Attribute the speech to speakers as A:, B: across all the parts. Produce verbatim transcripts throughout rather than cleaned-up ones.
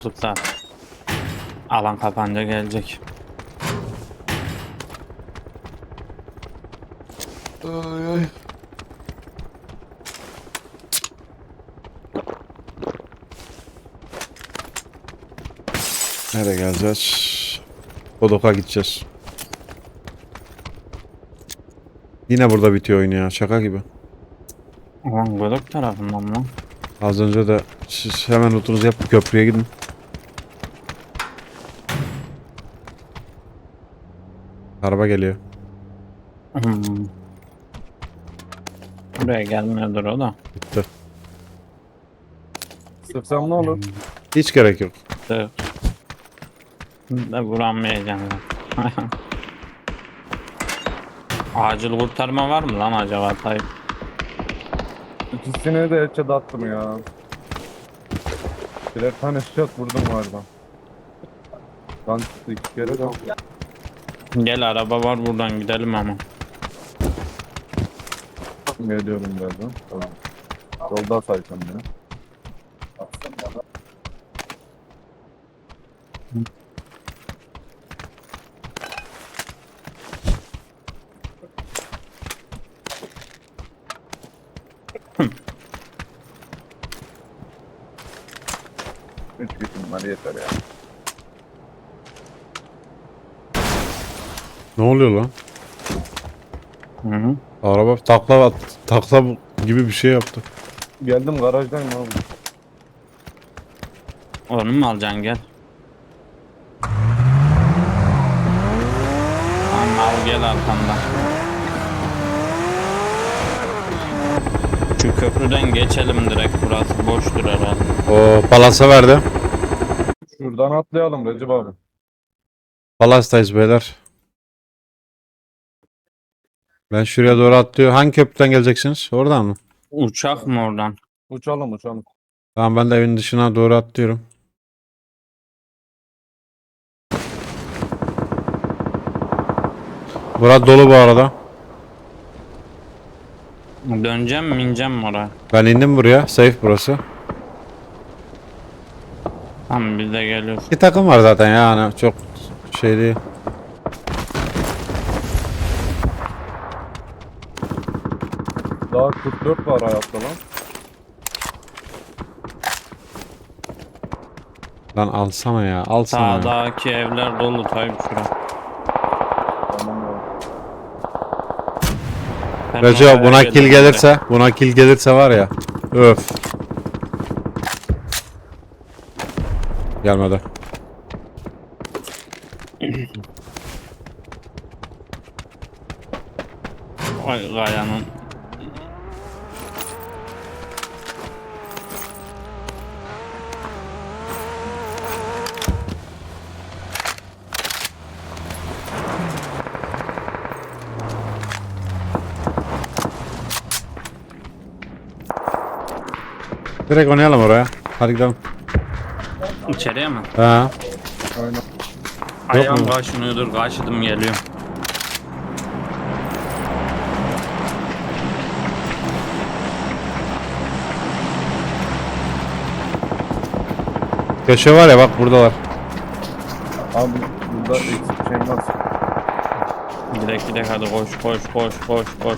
A: Zaten alan kapanınca gelecek.
B: Ay ay. Nereye geleceğiz? Kodok'a gideceğiz. Yine burada bitiyor oyun ya. Şaka gibi.
A: Alan Godok tarafından mı?
B: Az önce de siz hemen lootunuzu yapıp köprüye gidin. Araba geliyor.
A: Hmm. Buraya gelmiyordur o da.
B: Bitti.
C: Sıksam ne olur?
B: Hiç gerek yok.
A: Dur. Da vuranmayacağım ben. Acil kurtarma var mı lan acaba Tayyip?
C: İkisine de headshot attım ya. Birer tane shot vurdum vardı. Lan çıktı iki kere de.
A: Gel araba var buradan gidelim ama.
C: Geliyorum birazdan. Tamam. Yolda sayacağım beni. Üç kişim var yeter ya.
B: Ne oluyor lan?
A: Hı hı.
B: Araba takla at, takla gibi bir şey yaptı.
C: Geldim garajdayım abi.
A: Onu mu alacaksın gel. Tamam al gel arkamdan. Şu köprüden geçelim direkt, burası boştur herhalde.
B: O palasa verdi.
C: Şuradan atlayalım Recep abi.
B: Palastayız beyler. Ben şuraya doğru atlıyor. Hangi köprüden geleceksiniz? Oradan mı?
A: Uçak mı oradan?
C: Uçalım uçalım.
B: Tamam ben de evin dışına doğru atlıyorum. Burası dolu bu arada.
A: Döneceğim mi ineceğim mi oraya?
B: Ben indim buraya. Safe burası.
A: Tamam biz de geliyoruz.
B: İki takım var zaten yani. Çok şey değil.
C: Daha kırk dört var hayatta lan.
B: Lan alsana ya. Alsana ya.
A: Sağdaki evler dolu Tayyip şura.
C: Tamam ya.
A: Ben
B: Recep
A: oraya
B: buna
A: geldim
B: kill
A: direkt.
B: gelirse. Buna kill gelirse var ya. Öf. Gelmedi.
A: Ay Gaya'nın.
B: Direkt oynayalım oraya. Hadi gidelim.
A: İçeriye mi?
B: Ha.
C: Aynen.
A: Ayağım
B: mu?
A: kaşınıyordur, kaşıdım geliyor.
B: Köşe var ya bak buradalar.
C: Abi burada eksik şey var.
A: Gidek gidek hadi koş koş koş koş koş.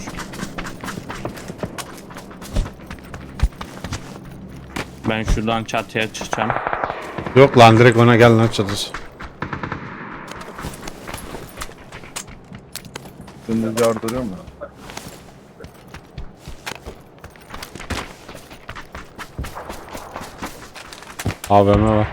A: Ben şuradan çatıya çıkacağım.
B: Yok lan direkt ona gel lan çatısı.
C: Dümdüz yardırıyor mu?
B: A V M var.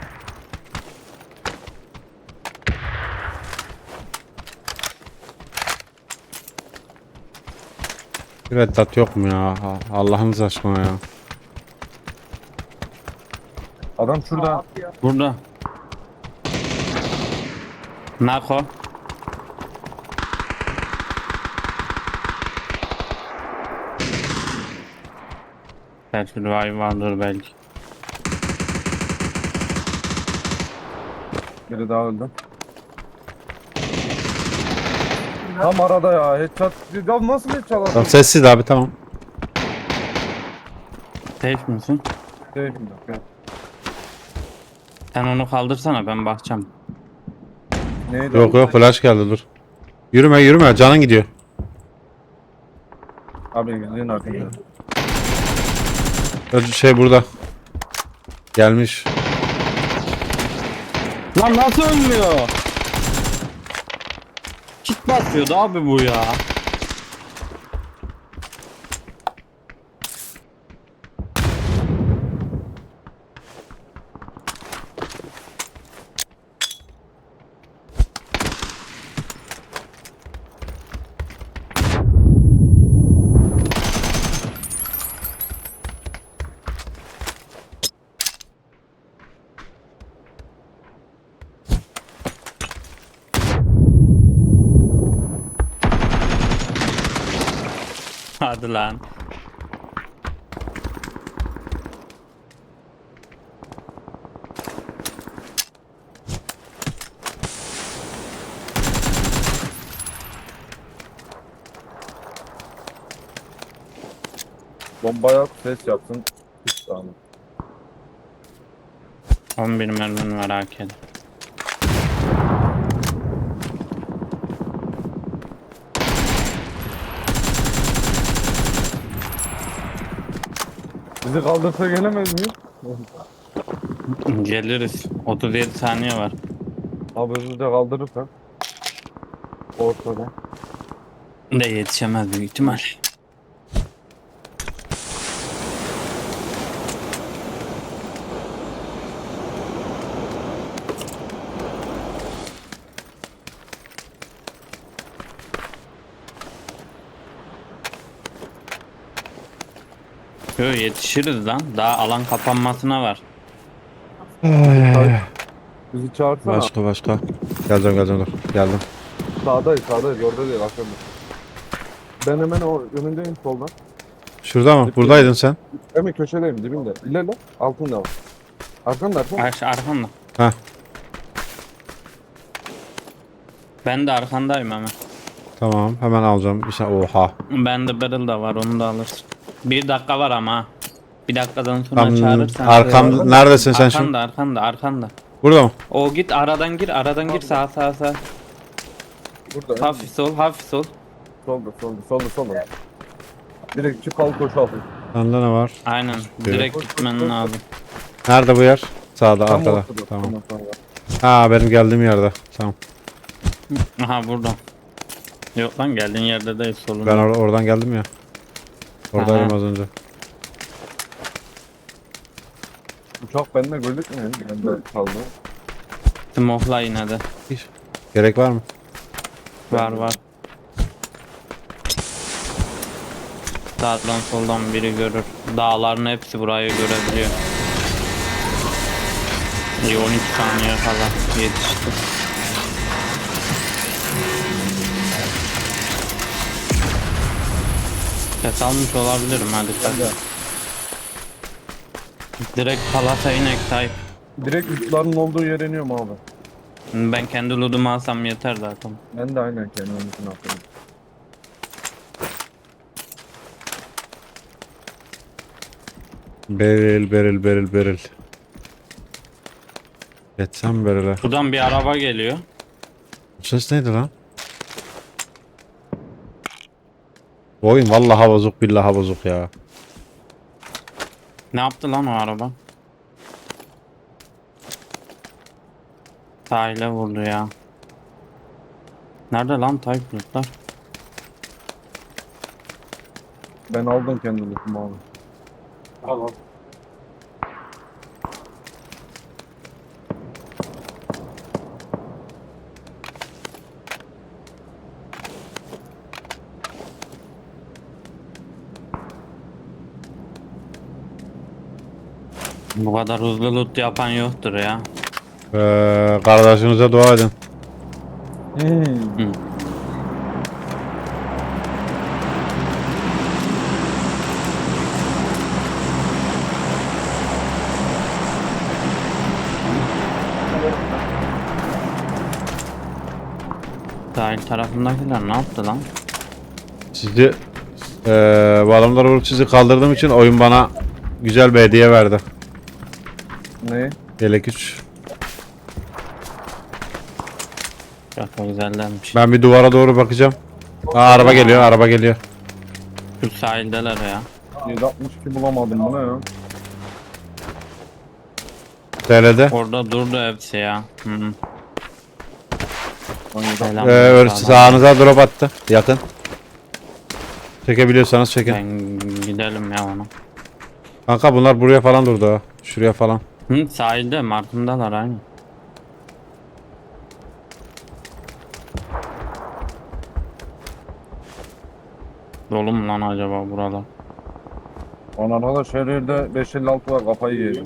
B: Bir reddat yok mu ya? Allah'ınız aşkına ya.
C: Adam şurada.
A: Burada. Nako. Belki revive vardır belki.
C: Biri daha öldü. Tam arada ya. Headshot. Ya nasıl headshot
B: Tamam
C: attın?
B: sessiz abi tamam.
A: Safe misin?
C: Keyfim yok.
A: Sen onu kaldırsana, ben bakacağım.
C: Neydi?
B: Yok yok flash geldi dur. Yürüme yürüme canın gidiyor.
C: Abi gidin arkaya.
B: Şey burada. Gelmiş.
A: Lan nasıl ölmüyor? Kit basıyordu abi bu ya. Hadi lan.
C: Bombaya at, ses yapsın. Hiç tamam.
A: on bir mermin var A K'de.
C: Bizi kaldırsa gelemez miyiz?
A: Geliriz. otuz yedi saniye var.
C: Abi bizi de kaldırırsan. Ortada.
A: De yetişemez büyük ihtimal. Yo, yetişiriz lan. Daha alan kapanmasına var.
C: Bizi çağırsana.
B: Başka başka. Geleceğim geleceğim dur. Geldim.
C: Sağdayız sağdayız orada değil aşağıda. Ben hemen o önündeyim soldan.
B: Şurada mı? Buradaydın sen.
C: Hemen köşedeyim dibinde. İlerle altında var. Arkanda arkanda.
A: Ar arkanda.
B: Heh.
A: Ben de arkandayım hemen.
B: Tamam hemen alacağım. Bir şey. Oha.
A: Ben de barrel da var, onu da alırsın. Bir dakika var ama ha. Bir dakikadan sonra
B: Tam
A: çağırırsan.
B: arkam neredesin sen şimdi?
A: Arkanda arkanda arkanda.
B: Burada mı?
A: O git aradan gir aradan gir sağa sağa sağa.
C: Burada.
A: Hafif sol hafif sol.
C: Solda solda solda solda. Direkt çık al koş al.
B: Sende ne var?
A: Aynen direkt gitmen lazım.
B: Nerede bu yer? Sağda
C: Tam
B: arkada.
C: ortada.
B: Tamam.
C: Tamam, tamam.
B: Ha benim geldiğim yerde. Tamam.
A: Aha burada. Yok lan geldiğin yerde değil solunda.
B: Ben or oradan geldim ya. Oradaydım
A: Aha.
B: az önce.
C: Uçak bende gözükmüyor. Ben de kaldı.
A: Smoke'la yine de.
B: Hiç. Gerek var mı?
A: Var var. Sağdan soldan biri görür. Dağların hepsi burayı görebiliyor. İyi on iki saniye kala yetişti. Ses almış olabilirim hadi dikkat. Direkt palata inek type.
C: Direkt uçların olduğu yere iniyorum abi.
A: Ben kendi lootumu alsam yeter zaten.
C: Ben de aynen kendimin için yapıyorum.
B: Beril beril beril beril. Geçsem berile.
A: Buradan bir araba geliyor.
B: Bu ses neydi lan? Bu oyun vallahi bozuk billahi bozuk ya.
A: Ne yaptı lan o araba? Sahile vurdu ya. Nerede lan type lootlar?
C: Ben aldım kendi lootumu abi. Al al.
A: Bu kadar hızlı loot yapan yoktur ya.
B: Ee, kardeşinize dua edin.
C: Hmm.
A: Sahil tarafındakiler ne yaptı lan?
B: Sizi ee, bu adamları vurup sizi kaldırdığım için oyun bana güzel bir hediye verdi.
C: Ne?
B: Yelek üç.
A: Çok güzellermiş.
B: Ben bir duvara doğru bakacağım. Aa, araba geliyor, araba geliyor.
A: Şu sahildeler ya.
C: yedi altmış iki bulamadım, bu ne ya?
B: T L'de.
A: Orada durdu hepsi ya. Hı -hı.
C: Lan yedi-
A: Selam.
B: Ee, ör- sağınıza drop attı. Yakın. Çekebiliyorsanız çekin.
A: Ben gidelim ya ona.
B: Kanka bunlar buraya falan durdu ha. Şuraya falan.
A: Hı, sahilde markındalar aynı. Dolu mu lan acaba buralar?
C: Lan arkadaş her yerde beş elli altı var, kafayı yedim.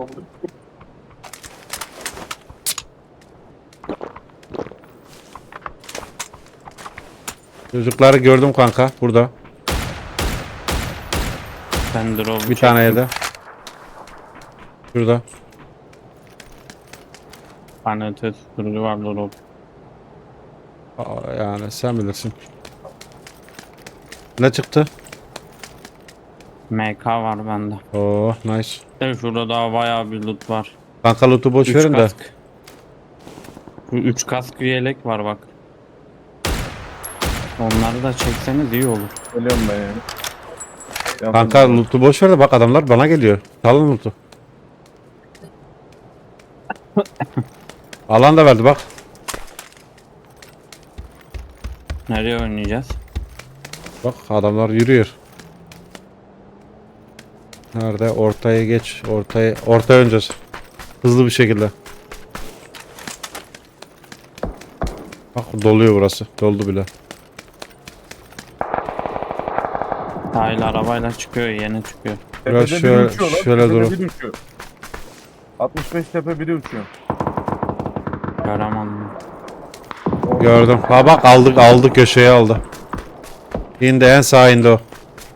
B: Çocukları gördüm kanka burada.
A: Ben drop
B: Bir tane yedi. Şurada.
A: Panete sürücü var drop.
B: Aa, yani sen bilirsin. Ne çıktı?
A: M K var bende.
B: Oo nice.
A: De şurada daha bayağı bir loot var.
B: Kanka loot'u boş
A: Üç
B: verin de.
A: kask. Şu üç kask yelek var bak. Onları da çekseniz iyi olur.
C: Geliyorum ben yani. Yapın
B: Kanka
C: ya.
B: loot'u boş ver de bak adamlar bana geliyor. Alın loot'u. Alan da verdi bak.
A: Nereye oynayacağız?
B: Bak adamlar yürüyor. Nerede? Ortaya geç. Ortaya ortaya oynayacağız. Hızlı bir şekilde. Bak doluyor burası. Doldu bile.
A: Sahil arabayla çıkıyor, yeni çıkıyor.
B: Biraz
C: Tepede
B: şöyle-
C: biri uçuyor lan,
B: şöyle
C: tepede
B: durun.
C: biri uçuyor. altmış beş tepe biri uçuyor.
A: Göremedim.
C: O-
B: Gördüm. Ha bak aldık aldı köşeye aldı. İndi en sağ indi o.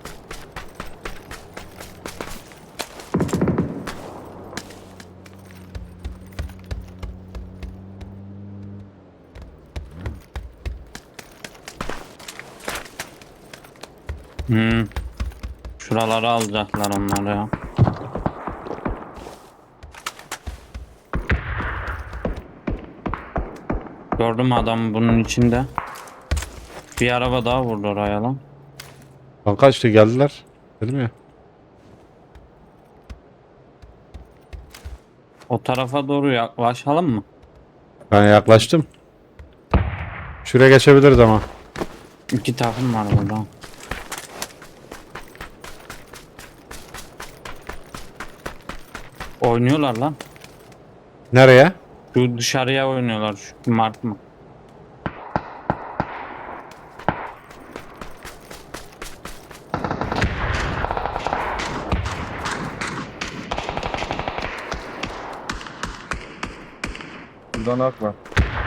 A: Hmm. Şuraları alacaklar onlar ya. Gördüm adamı bunun içinde. Bir araba daha vurdu oraya lan.
B: Kanka işte geldiler. Dedim ya.
A: O tarafa doğru yaklaşalım mı?
B: Ben yaklaştım. Şuraya geçebiliriz ama.
A: İki takım var burada. Oynuyorlar lan.
B: Nereye?
A: Şu dışarıya oynuyorlar şu mark mı?
C: Buradan ak var.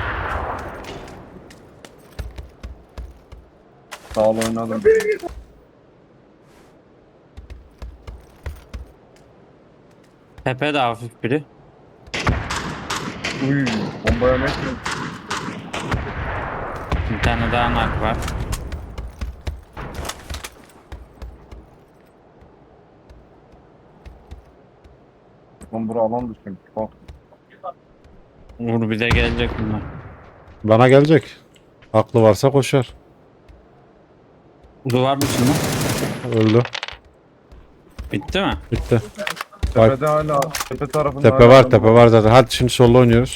C: Sağ ol oynadım.
A: Tepe de hafif biri.
C: Uy, bombaya ne ettin?
A: Bir tane daha nak var.
C: Lan bura alan düşün. Bak.
A: Vur bize gelecek bunlar.
B: Bana gelecek. Aklı varsa koşar.
A: Duvar dışında.
B: Öldü.
A: Bitti mi?
B: Bitti.
C: Tepede hala, tepe tarafında
B: Tepe
C: hala
B: var
C: adam
B: tepe var zaten. Hadi şimdi solda oynuyoruz.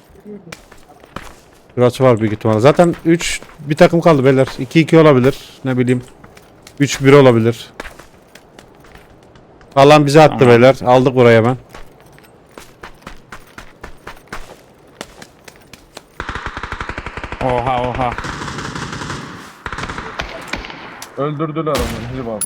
B: Burası var büyük ihtimalle. Zaten üç bir takım kaldı beyler. iki iki olabilir. Ne bileyim. üç bir olabilir. Alan bize attı
A: Tamam.
B: beyler. Aldık buraya hemen.
A: Oha oha.
C: Öldürdüler onu. Hadi bak.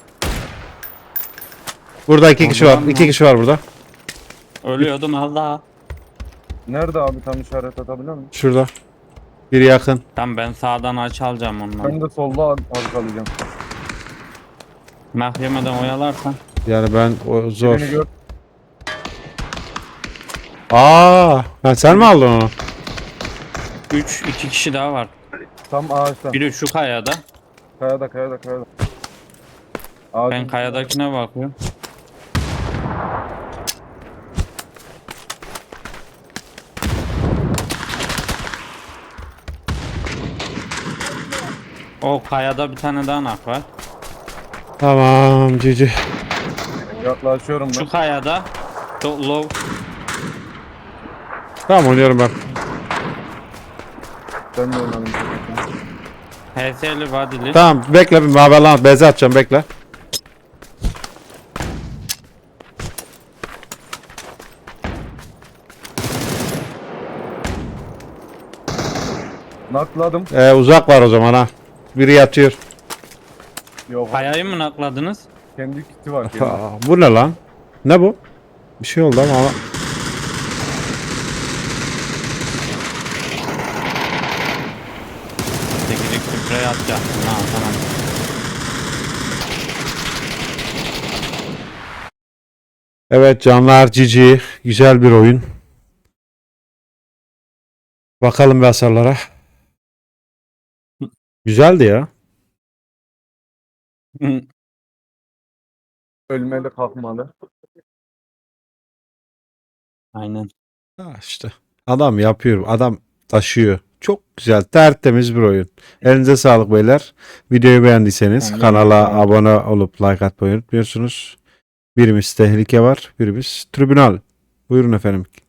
B: Burada iki kişi var.
A: Oradan
B: iki
A: mı?
B: kişi var burada.
A: Ölüyordum Allah.
C: Nerede abi, tam işaret atabiliyor musun?
B: Şurada. Biri yakın.
A: Tamam ben sağdan aç alacağım onları.
C: Ben de solda arkalayacağım.
A: Mahkemeden oyalarsan.
B: Yani ben o zor.
C: Birini gör.
B: Aa, ha, sen mi aldın onu?
A: üç iki kişi daha var.
C: Tam ağaçta.
A: Biri şu kayada.
C: Kayada kayada kayada. Ağacın
A: Ben kayadakine bakıyorum. O kayada bir tane daha nak var.
B: Tamam cici.
C: Yaklaşıyorum ben.
A: Şu kayada. Çok low.
B: Tamam oynuyorum ben.
C: Ben de oynadım.
A: H S'li vadili.
B: Tamam bekle bir mavi lan beze atacağım bekle.
C: Nakladım.
B: Ee, uzak var o zaman ha. Biri yatıyor.
C: Yok.
A: Kayayı mı nakladınız?
C: Kendi kiti var. Kendi.
B: Aa, bu ne lan? Ne bu? Bir şey oldu ama.
A: Teknik sprey atacaktım. Ha tamam.
B: Evet canlar cici. Güzel bir oyun. Bakalım bir hasarlara. Güzeldi ya.
C: Ölmeli kalkmalı.
A: Aynen.
B: Ha işte. Adam yapıyor. Adam taşıyor. Çok güzel. Tertemiz bir oyun. Elinize sağlık beyler. Videoyu beğendiyseniz
A: Aynen.
B: kanala abone olup like atmayı unutmuyorsunuz. Birimiz tehlike var. Birimiz tribünal. Buyurun efendim.